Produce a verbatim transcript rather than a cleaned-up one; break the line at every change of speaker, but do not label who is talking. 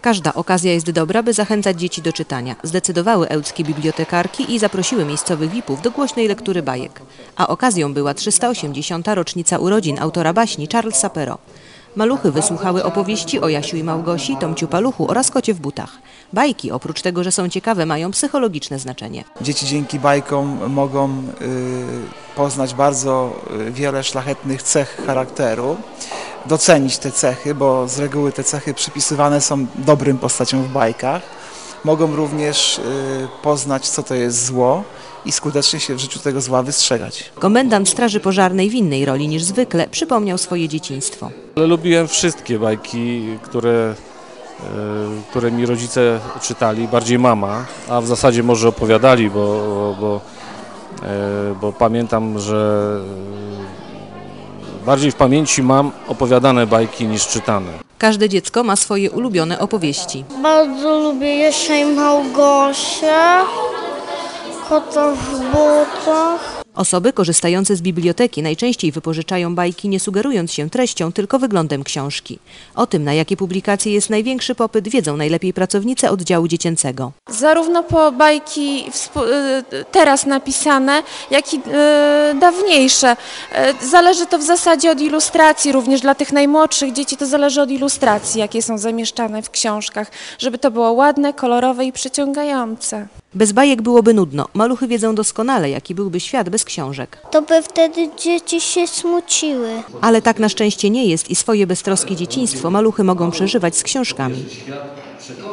Każda okazja jest dobra, by zachęcać dzieci do czytania. Zdecydowały ełckie bibliotekarki i zaprosiły miejscowych V I P-ów do głośnej lektury bajek. A okazją była trzysta osiemdziesiąta rocznica urodzin autora baśni Charlesa Perrault. Maluchy wysłuchały opowieści o Jasiu i Małgosi, Tomciu Paluchu oraz Kocie w butach. Bajki, oprócz tego, że są ciekawe, mają psychologiczne znaczenie.
Dzieci dzięki bajkom mogą y, poznać bardzo wiele szlachetnych cech charakteru, docenić te cechy, bo z reguły te cechy przypisywane są dobrym postaciom w bajkach. Mogą również y, poznać, co to jest zło i skutecznie się w życiu tego zła wystrzegać.
Komendant Straży Pożarnej w innej roli niż zwykle przypomniał swoje dzieciństwo.
Ale lubiłem wszystkie bajki, które, które mi rodzice czytali, bardziej mama, a w zasadzie może opowiadali, bo, bo, bo pamiętam, że bardziej w pamięci mam opowiadane bajki niż czytane.
Każde dziecko ma swoje ulubione opowieści.
Bardzo lubię Jasia i Małgosię, Kota w butach.
Osoby korzystające z biblioteki najczęściej wypożyczają bajki, nie sugerując się treścią, tylko wyglądem książki. O tym, na jakie publikacje jest największy popyt, wiedzą najlepiej pracownice oddziału dziecięcego.
Zarówno po bajki teraz napisane, jak i dawniejsze. Zależy to w zasadzie od ilustracji, również dla tych najmłodszych dzieci to zależy od ilustracji, jakie są zamieszczane w książkach, żeby to było ładne, kolorowe i przyciągające.
Bez bajek byłoby nudno. Maluchy wiedzą doskonale, jaki byłby świat bez książek.
To by wtedy dzieci się smuciły.
Ale tak na szczęście nie jest i swoje beztroskie dzieciństwo maluchy mogą przeżywać z książkami.